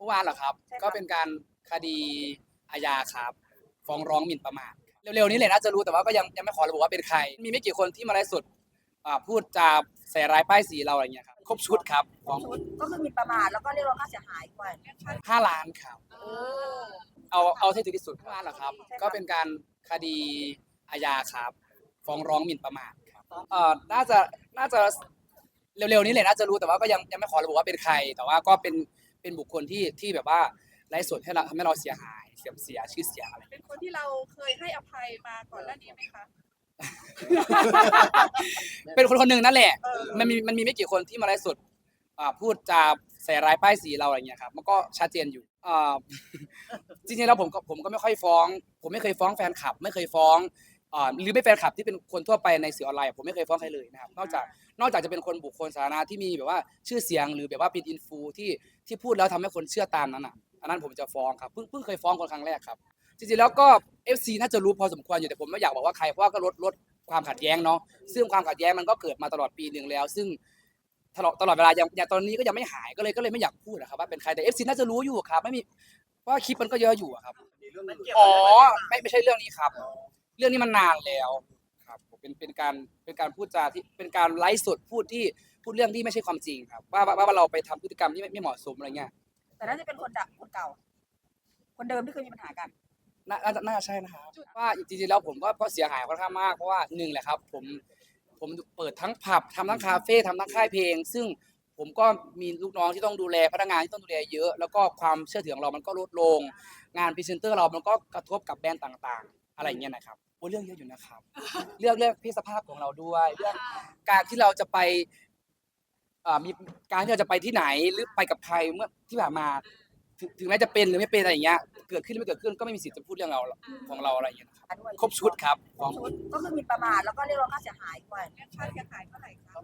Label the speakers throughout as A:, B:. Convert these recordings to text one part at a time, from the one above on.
A: เมื่อวานเหรอครับ
B: ใช่ครับ
A: ก็เป็นการคดีอาญาครับฟ้องร้องหมิ่นประมาทเร็วๆนี้เลยน่าจะรู้แต่ว่าก็ยังไม่ขอระบุว่าเป็นใครมีไม่กี่คนที่มาไลฟ์สดพูดจาใส่ร้ายป้ายสีเราอะไรเงี้ยครับครบชุดครับฟ้อง
B: ชุดก็คือหมิ่นประมาทแล้วก็เรียกร้องค่าเสียหายด้วย
A: 5 ล้านครับเอาที่ถึงที่สุดเมื่อวานเหรอครับ ก็เป็นการคดีอาญาครับฟ้องร้องหมิ่นประมาทครับน่าจะเร็วๆนี้เลยน่าจะรู้แต่ว่าก็ยังไม่ขอระบุว่าเป็นใคร แต่ว่าก็เป็นบุคคลที่แบบว่าไลฟ์สดให้เราทำให้เราเสียหายเสียชื่อเสียงอะไร
C: เป็นคนที่เราเคยให้อภัยมาก่อนหน้านี้ไหมคะ
A: เป็นคนหนึ่งนั่นแหละมันมีไม่กี่คนที่มาไลฟ์สดพูดจาใส่ร้ายป้ายสีเราอะไรเงี้ยครับมันก็ชัดเจนอยู่จริงๆแล้วผมก็ไม่ค่อยฟ้องผมไม่เคยฟ้องแฟนคลับไม่เคยฟ้องหรือไม่แฟนคลับที่เป็นคนทั่วไปในสื่อออนไลน์ผมไม่เคยฟ้องใครเลยนะครับนอกจากจะเป็นคนบุคคลสาธารณะที่มีแบบว่าชื่อเสียงหรือแบบว่าเป็นอินฟูที่พูดแล้วทำให้คนเชื่อตามนั้นอันนั้นผมจะฟ้องครับเพิ่งเคยฟ้องคนครั้งแรกครับจริงๆแล้วก็ FC น่าจะรู้พอสมควรอยู่แต่ผมไม่อยากบอกว่าใครเพราะว่าก็ลดความขัดแย้งเนาะซึ่งความขัดแย้งมันก็เกิดมาตลอดปีนึงแล้วซึ่งตลอดเวลาอย่างตอนนี้ก็ยังไม่หายก็เลยไม่อยากพูดนะครับว่าเป็นใครแต่ FC น่าจะรู้อยู่ครับไม่มีเพราะว่าคลิปมันก็เยอะอยู่ครับอ๋อไม่ใช่เรื่องนี้ครับเรื่องนี้มันนานแล้วครับผมเป็นการพูดจาที่เป็นการไลฟ์สดพูดเรื่องที่ไม่ใช่ความจริงครับว่าเราไปทำพฤติกรรมที่ไม่เหมาะสมอะไรเงี้ย
B: แต่น่าจะเป็นคนเก่า คนเดิมที่เคยมีปัญหากัน
A: น่าจะใช่นะครับว่าจริงๆแล้วผมก็เสียหายค่อนข้างมากเพราะว่าหนึ่งแหละครับผมเปิดทั้งผับทำทั้งคาเฟ่ทำทั้งค่ายเพลงซึ่งผมก็มีลูกน้องที่ต้องดูแลพนักงานที่ต้องดูแลเยอะแล้วก็ความเชื่อถือของเรามันก็ลดลงงานพรีเซนเตอร์เรามันก็กระทบกับแบรนด์ต่างๆอะไรอย่างเงี้ยนะครับโอ้เรื่องเยอะอยู่นะครับเรื่องเพศสภาพของเราด้วยเรื่องการที่เราจะไปมีการที่เราจะไปที่ไหนหรือไปกับใครเมื่อที่ผ่านมาถึงแม้จะเป็นหรือไม่เป็นอะไรอย่างเงี้ยเกิดขึ้นหรือไม่เกิดขึ้นก็ไม่มีสิทธิ์จะพูดเรื่องเราของเราอะไรอย่างเงี้ยนะครับครบชุดครับ
B: ชุดก็คือหมิ่นประมาทแล้วก็เรียกร้องค่าเสียหายด้วย
C: ค่าเสียหายเท่าไหร่คะ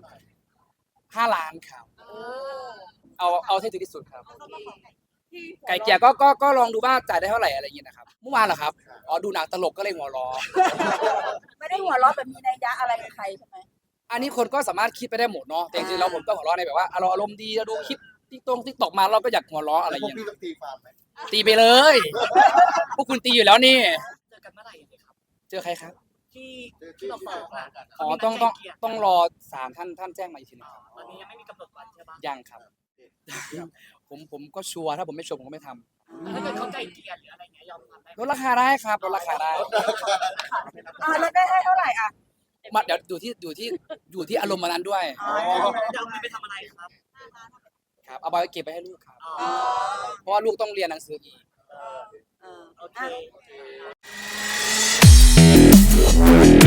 A: 5 ล้านครับเอาที่ถึงที่สุดครับ
C: เขามาขอที่
A: ไก่เกลี่ยก็ลองดูว่าจ่ายได้เท่าไหร่อะไรอย่างเงี้ยนะครับเมื่อวานเหรอครับดูหนังตลกก็เลยหัวเร้อ
B: ไม่ได้หัวเราะแบบมีนัยยะอะไรกับใครใช่ไหม
A: อันนี้คนก็สามารถคิดไปได้หมดเนาะแต่จริงๆเราผมก็หัวเร้อในแบบว่าเราอารมณ์ดีเราดูคลิปติ๊กตอกมาเราก็อยากหัวเร้ออะไรอย่าง
D: พวก
A: เงี้ย
D: พี่ต้องตีความไหม
A: ตีไปเลย พวกคุณตีอยู่แล้วนี่
E: เจอกันเมื่อไหร่ครับ
A: เจอใครครับ
E: ที่เราฟ้องอ่ะ
A: ต้องรอศาลท่านแจ้งมาอีกทีนึงครับ
E: ตอนนี้ยังไม่มีกำหนดวันใช่ปะ
A: ยังครับ ผมก็ชัวร์ถ้าผมไม่ชัวร์ผมก็ไม่ทำ
E: ถ้าเกิดเขาไก่เกลี่ยหรืออะไรเงี้ยยอมทำได้ไหม
A: ลดราคาได้ครับลดราคาได้
B: แล้วได้ให้เท่าไหร่อ่ะ
A: มาเดี๋ยวอยู่ที่อารมณ์วันนั้นด้วย
E: จะเอาเงินไปทำอะไรครับ
A: ครับเอาไปเก็บไปให้ลูกครับ
E: อ๋อ
A: เพราะว่าลูกต้องเรียนหนังสืออีก
E: โอเค